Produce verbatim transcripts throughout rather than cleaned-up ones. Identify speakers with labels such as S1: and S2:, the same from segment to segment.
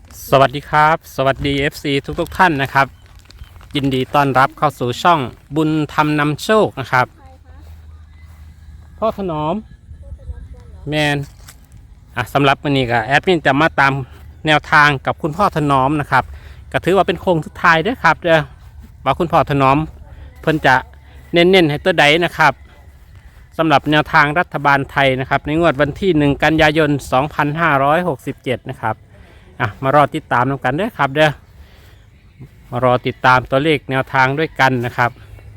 S1: สวัสดีครับสวัสดี เอฟ ซี ทุกทุกท่านนะครับยินดีต้อนรับเข้าสู่ช่องบุญธรรมนำโชคนะครับพ่อถนอมแมนอ่ะสำหรับวันนี้ก็แอดมินจะมาตามแนวทางกับคุณพ่อถนอมนะครับก็ถือว่าเป็นโค้งสุดท้ายด้วยครับเด้อว่าคุณพ่อถนอมเพิ่นจะเน้นๆให้ตัวใดนะครับสำหรับแนวทางรัฐบาลไทยนะครับในงวดวันที่หนึ่งกันยายนสองพันห้าร้อยหกสิบเจ็ดนะครับอ่ะมารอติดตามกันด้วยครับเด้อมารอติดตามตัวเลขแนวทางด้วยกันนะครับ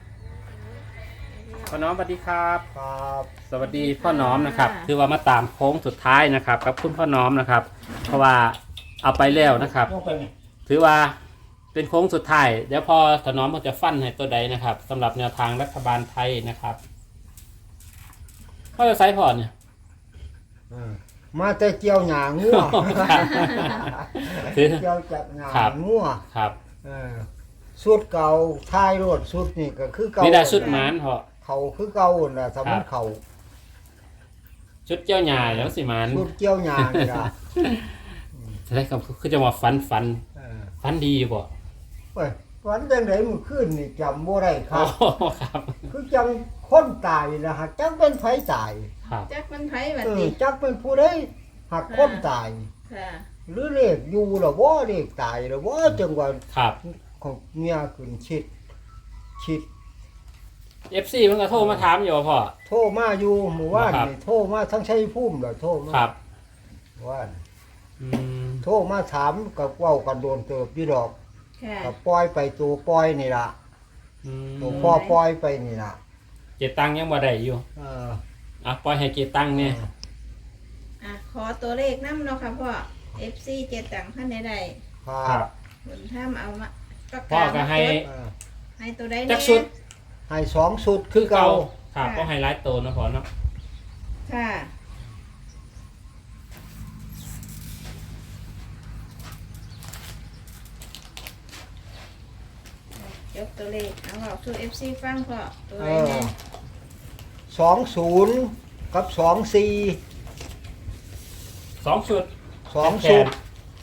S1: พ่อน้อมสวัสดีครับครับสวัสดีพ่อน้อมนะครับคือว่ามาตามโค้งสุดท้ายนะครับกับคุณพ่อน้อมนะครับ เพราะว่าเอาไปแล้วนะครับถือว่าเป็นโค้งสุดท้ายเดี๋ยวพอพ่อน้อมเขาจะฟันให้ตัวใดนะครับสำหรับแนวทางรัฐบาลไทยนะครับเขาจะไซส์พอเนี่ย
S2: มาแต่เกี่ยวหยางัวเกี่ยวจากหยางัว
S1: ครับ
S2: สุดเก่าท้ายรถสุดนี่ก็คือเก่า
S1: นี่ได้ชุดหมานเหรอ
S2: เขาคือเก่าน่ะสำนักเขา
S1: ชุดเกี่ยวหยาแล้วสิมัน
S2: ชุดเกี่ยวหยานี่ล่ะ
S1: ใช่ครับคือจะมาฟันฟันฟันดีบ่
S2: เฮ้ยฟันจังได๋มื้อคืนนี่จำบ่ได้ครั
S1: บครับ
S2: คือจังคนตายนะฮะจังเป็นไผตาย
S3: จักเป็นไผบัดนี้
S2: จักเป็นผู้ใดหักคนตาย
S3: ค่ะ
S2: หรือเลขอยู่ล่ะบ่เลขตายล่ะบ่จังว่า
S1: ครับ
S2: ของเมียขึ้นชิดชิด
S1: เอฟ ซี มันก็โทรมาถามอยู่พ่อ
S2: โทรมาอยู่หมู่บ้านนี่โทรมาทั้งชัยภูมิล่ะโทรมา
S1: ครับ
S2: ว่านอืมโทรมาถามก็เว้ากันโดนเติบอยู่ดอก
S3: ค่ะ
S2: ก็ปล่อยไปตัวปล่อยนี่ล่ะอืมตัวพ่อปล่อยไปนี่ล่ะ
S1: เจตังยังบ่ได้อยู่เอออ่ะปล่อยให้เจตังเนี่ย
S3: อ่ะขอตัวเลขนำเนาะค่ะพ่อ เอฟ ซี เจตังท่านใด
S2: ๆครับ
S3: บุญธรรมเอามา
S1: พ่อก็ให้
S3: ให้ตัวใด
S1: จักชุด
S2: ให้สองชุดคือเก่า
S1: ครับก็ให้หลายตัวเนาะพ่อเนาะ
S3: ค่ะยกตัวเลขเอาบอกสู่ เอฟ ซี ฟังพ่อตัวไหนแน่
S2: สองศูนย์กับสองสี่
S1: สองชุด
S2: สองชุด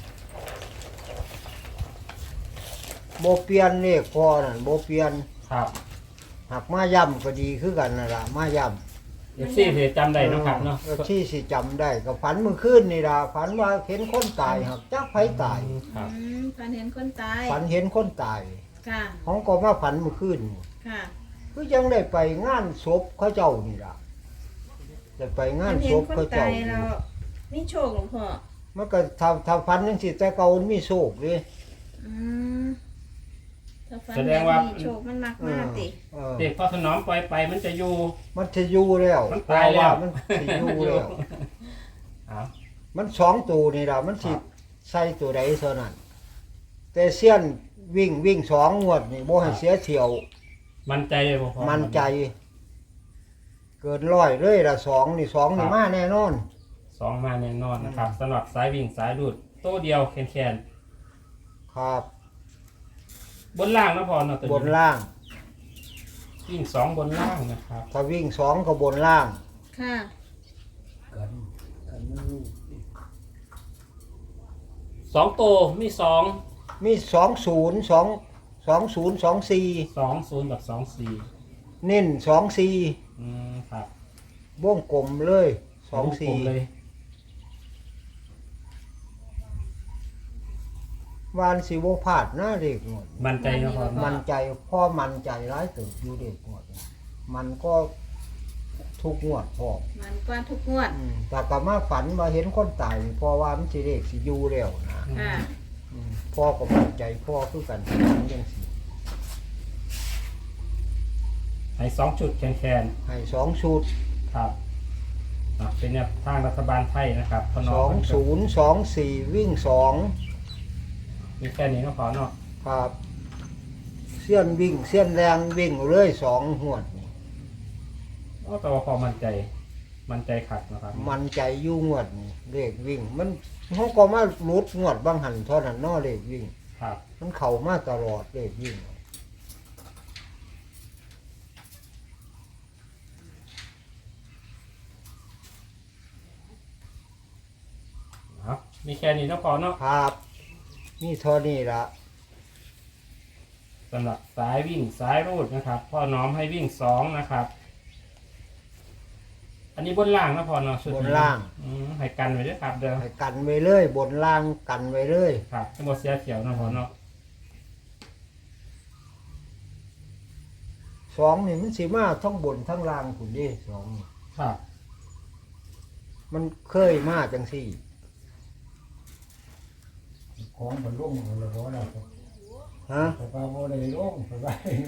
S2: โบเปลี่ยนเลขพอนั่นโบเปลี่ยน
S1: ครับ
S2: หักมาย่ำก็ดีคือกันนั่นล่ะมาย่
S1: ำเอฟซีสิจำได้นะครับเนาะ
S2: เอฟซีสิจำได้ก็ฝันเมื่อคืนนี่ล่ะฝันว่าเห็นคนตายหักจักไผตาย
S3: ครับฝันเห็นคนตาย
S2: ฝันเห็นคนตาย
S3: ค่ะ
S2: ของก็มาฝันเมื่อคืน
S3: ค่ะ
S2: คือยังได้ไปงานศพเขาเจ้านี่ล่ะได้ไปงานศพเขาเจ้า
S3: นี่โชคหลวงพ่อ
S2: มันก็ทำทำฟันจังซี่แต่เก่ามันมีโชคเลย
S3: อืมถ้าฟันแสดงว่าโชคมันมากมากติ
S1: เด็กพอถนอมปล่อยไปมันจะอยู่
S2: มันจะอยู่แล้ว
S1: มันตายแล้ว
S2: มันจะอยู่แล้วมันสองตัวนี่ล่ะมันสิใส่ตัวใดเท่านั้นแต่เสี้ยนวิ่งวิ่งสองงวดนี่บ่ให้เสียเที่ยว
S1: มันใจเลยบ่พอ
S2: มันใจเกินร้อยเลยละสองนี่สองนี่มาแน่นอน
S1: สองมาแน่นอนนะครับสำหรับสายวิ่งสายดูดโต้เดียวแขน
S2: ๆครับ
S1: บนล่างนะพอเนาะ
S2: บนล่าง
S1: วิ่งสองบนล่างนะครับ
S2: ถ้าวิ่งสองก็บนล่าง
S3: ค่ะ
S1: สองโตมีสอง
S2: มีสองศูนย์สองสองศูนย์สองสี่
S1: สองศูนย์กับสองสี่
S2: เน้นสองสี่
S1: อืมครับ
S2: วงกลมเลยสองสี่วานสิโวพาดหน้าเด็กหมด
S1: มันใจนะพ่อ
S2: มันใจพ่อมันใจร้ายตื่นอยู่เด็กหมดมันก็ทุกงวดพ่อ
S3: มันก็ทุกงวด
S2: แต่กลับมาฝันมาเห็นคนตายพ่อว่ามันสิเด็กสิอยู่แล้วนะพ่อก็มั่นใจพ่อคือกันยังสิ
S1: ให้สองชุดแขน
S2: ๆให้สองชุด
S1: ครับเป็นเนี่ยทางรัฐบาลไทยนะครับ
S2: สองศูนย์สองสี่วิ่งสอง
S1: มีแค่นี้ก็พอเนาะ
S2: ครับเสี้ยนวิ่งเสี้ยนแรงวิ่งเรื่อยสองหวด
S1: อ๋อแต่ว่าพอมันใจมันใจขัดนะครับ
S2: มันใจยุ่งหวดเลขวิ่งมันเขาก็มาลุดงวดบางหันเท่านั้นนอเลขวิ่ง
S1: ครับ
S2: มันเข่ามาตลอดเลขวิ่ง
S1: มีแค่นี้ก็พอเนาะ
S2: ครับนี่เท่านี้ละ
S1: สำหรับสายวิ่งสายรูดนะครับพ่อน้อมให้วิ่งสองนะครับ อันนี้บนล่างนะพ่อเนาะชุด
S2: บ
S1: นี้
S2: นล่าง
S1: อืมให้กันไว้ด้วยครับเด้อ
S2: ให้กันไว้เลยบนล่างกันไว้เลย
S1: ครับทั้งหมดเสียเขียวนะพ่อเนาะ
S2: สองนี่มันสิมาทั้งบนทั้งล่างคุณดิสองนี่
S1: ครับ
S2: มันเคยมาจังสี่
S4: ของมันลุ่งมันเลยว่าเรา
S2: ฮะ
S4: แต่ว่าโมได้ลุ่งไปไป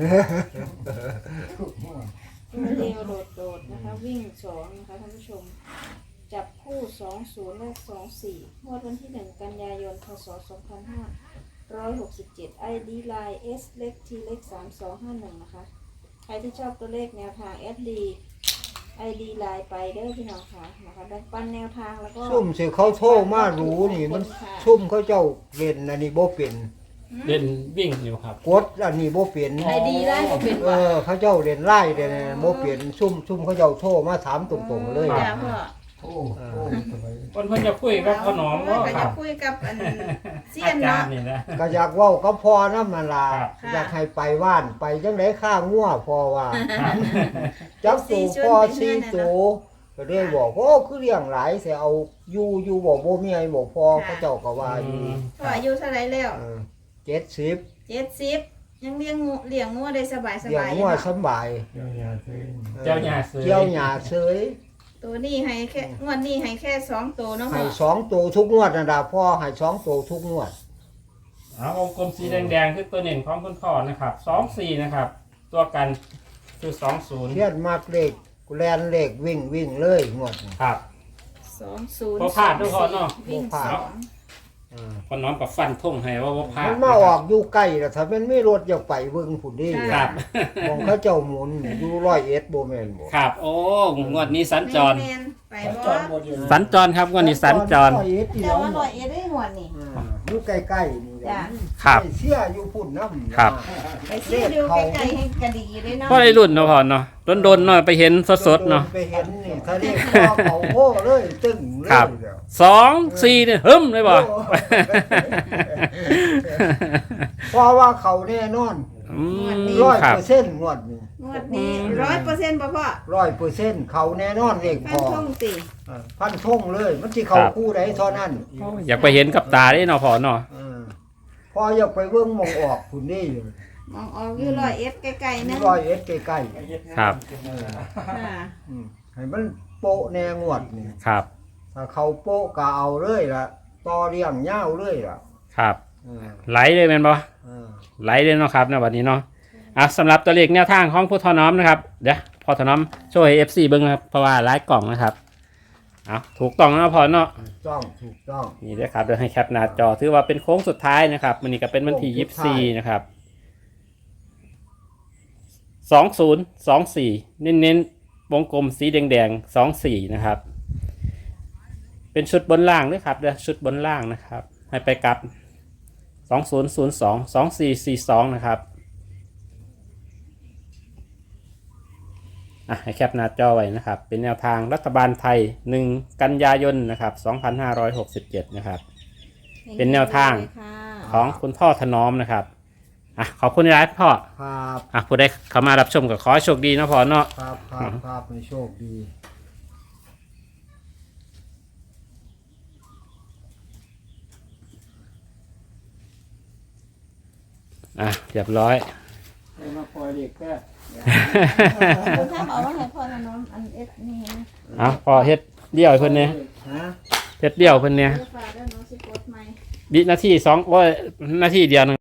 S3: ตัวเดียวโดดๆนะคะ วิ่งสองนะคะท่านผู้ชม จับคู่สองศูนย์และสองสี่งวดวันที่หนึ่งกันยายนพศสองพันห้าร้อยหกสิบเจ็ดไอดีไลน์ S เล็ก T เล็กสามสองห้าหนึ่งนะคะ ใครที่ชอบตัวเลขแนวทาง S D ไอดีไลน์ไปเด้อพี่น้องค่ะนะคะแบ่งปันแนวทางแล้วก็
S2: ซุ่มสิเขาโทรมารู้นี่มันซุ่มเขาเจ้าเล่นอันนี้บ่เป็น
S1: เล่นวิ่งอยู่ครับ
S2: กดอันนี้บ่เป็น
S3: ไอดีไลน์ก็เป็น
S2: เอ
S3: ว่า
S2: อเขาเจ้าเล่นไล่เด่นบ่เป็นซุ่มซุ่มเขาเจ้าโทรมาถามตรงๆเลย
S3: จ้าพ่อ
S4: โอ้โอ้สบาย
S1: คนเพิ่นจะคุยกับพ่อน้อม
S3: ก็
S1: ก็ค
S3: จะ
S1: รับ
S3: คุยกับอันเซีย
S1: อาน จา
S3: เนาะ
S1: รย์นี่นะ
S2: ก็อยากเว้าก็พอน้ำมันล่ะ
S1: ครับ
S2: อยากให้ไปว่านไปจังได๋ข้างัวพอว่า
S1: ครับ
S2: จับตูพอสี่ตัวก็ได้บอกโอ้คือเลี้ยงหลายเสียเอาอยู่อยู่บอกบ่มีไอ้บอกพอเขาเจ้าก็ว่าอยู่
S3: พ่ออายุเท่าไรแล้ว
S2: เออเจ็ดสิบ
S3: เจ็ดสิบยังเลี้ยงงูเลี้ยงงูได้สบายส
S2: เลี้ยง
S3: บาย
S2: งัวสำบาย
S4: เจ้าหญ้าซื้อ
S1: เจ้าหญ้าเสย
S2: เจ้าหญ้าเสย
S3: ตัวนี้ให้แค่งวดนี้ให้แค่สองตัวเนาะพ่
S2: ให้
S3: อ
S2: สองตัวทุกงวดนะดาพ่อให้สองตัวทุกงวด
S1: เอาวงกลมสีแดงๆคือตัวเน่นของคุณพ่อนะครับสองสี่นะครับ ตัวกันคือสองศูนย์
S2: เทียนมากเลขแลนเลขวิ่งวิ่งเลยงวดนี้
S1: ครับ
S3: สองศูนย์
S1: พอพลาดทุกคนเนาะ
S3: วิ่ง
S2: พลา
S3: ส
S2: ด
S3: อง
S2: เออ
S1: พ่อน้อมกับฟันทุ่งให้ว่าว่าพลาด
S2: มันมาออกอยู่ใกล้แล้วถ้ามันไม่รถอยากไปเบิ่งผุนดี
S1: ครับ
S2: มองเขาเจ้าหมุนอยู่ร้อยเอ็ดโบแมนบ่
S1: ครับ โอ้งวดนี้สัญจร
S3: แมนๆไป
S4: จ
S3: บ่
S4: อดหมดอยู่
S1: สัญจรครับงวดนี้สัญจร
S2: ร้อยเอ็ดอี
S3: แต่
S2: แล้ว
S3: ว่าลอยเอ็ดได้งวดนี่
S2: อ่าอยู่ใกล้ๆนี่แหละ
S3: จ้ะ
S1: ครับ
S2: ไปเสียอยู่พุ่นน้ำ
S1: ครับ
S3: ไปซื้อดูใกล้ๆให้กระดีเลยเนาะ
S1: พ่อได้รุ่นเนาะพ่อเนาะโดนๆหน่อยไปเห็นสดๆเนาะ
S2: ไปเห็นนี่ทะเลคอเขาโอ้เลยตึ้งเลย
S1: ครับ
S2: เดี๋ยว
S1: สองสี่เนี่ยหึมเลยบ่
S2: โอ้ เพราะว่าเขาแน่นอน
S1: อืม
S2: ร้อย
S1: ครับ
S2: เปอร์เซ็นต์งวดนี้
S3: งวดนี้ร้อยเปอร์เซ็นต์ป่ะพ่อ
S2: ร้อยเปอร์เซ็นต์เขาแน่นอนเลข
S3: ฟั
S2: พ
S3: น
S2: อ
S3: ทงสิ
S2: อ่าพันทงเลย มันที่เขาคู่ใดเท่านั้น
S1: อยากไปเห็นกับตาได้เนาะพ่อเนาะ
S2: อ่าพออยากไปเบิ่งหมองออกคุณนี่อยู่
S3: มองออกอยู่ร้อยเอ็ดใกล้ๆนึง
S2: ร้อยเอ็ดใกล้
S1: ครับ
S3: ค่ะ
S2: ๆอืมให้มันโปะแนงวดนี่
S1: ครับ
S2: ถ้าเขาโปะก็เอาเลยล่ะต่อเลี้ยงยาวเลยล่ะ
S1: ครับ
S2: อ่า
S1: ไหลเลยแม่นบ่
S2: อ่า
S1: ไหลเลยเนาะครับในวันนี้เนาะอ่ะสำหรับตัวเลขแนวทางของผู้ทอน้อมนะครับเดี๋ยวพอทอน้อมช่วย เอฟ ซี เบิ้งนะครับเพราะว่าไลฟ์กล่องนะครับเอาถูกต้องแล้วพอเนาะ
S2: ถูกต้องถูกต้อง
S1: นี่ด้วยครับเดี๋ยวให้แคปหน้าจอถือว่าเป็นโค้งสุดท้ายนะครับมันนี้ก็เป็นวันที่
S2: โค้
S1: ยี่
S2: ง
S1: สิ
S2: สุ
S1: บ
S2: ดท้าย
S1: สี่นะครับสองศูนย์สองสี่เน้นๆวงกลมสีแดงๆสองสี่นะครับ เป็นชุดบนล่างด้วยครับเดี๋ยวชุดบนล่างนะครับ ให้ไปกับสองศูนย์ศูนย์สองสองสี่สี่สองนะครับอ่ะให้แคปหน้าจอไว้นะครับ เป็นแนวทางรัฐบาลไทยหนึ่งกันยายนนะครับสองพันห้าร้อยหกสิบเจ็ดนะครับ เป็นแนวทาง
S3: ค่ะ
S1: ของคุณพ่อถนอมนะครับอ่ะขอบคุณที่ไลฟ์พ่อ
S2: ครับ
S1: อ่ะผู้ใดเข้ามารับชมก็ขอให้โชคดีนะพ่อเนาะ
S2: ครับครับครับในโชคดี
S1: อ่ะเรียบร้อย
S4: ให้มาปล่อยเด็กแค่
S3: คุณถ้าบอกว่าให้พ่อทำน้องอันเอสนี่นะ
S1: อ่ะพอเฮ็ดเดี่ยวให้เพิ่นเนี่ย
S2: ฮะ
S1: เฮ็ดเดี่ยวเพิ่นเนี่ย
S3: เดี๋ยวฝากด้วยน้องสิกดใหม่
S1: วินาทีสองโอ้ยนาทีเดียวหนึง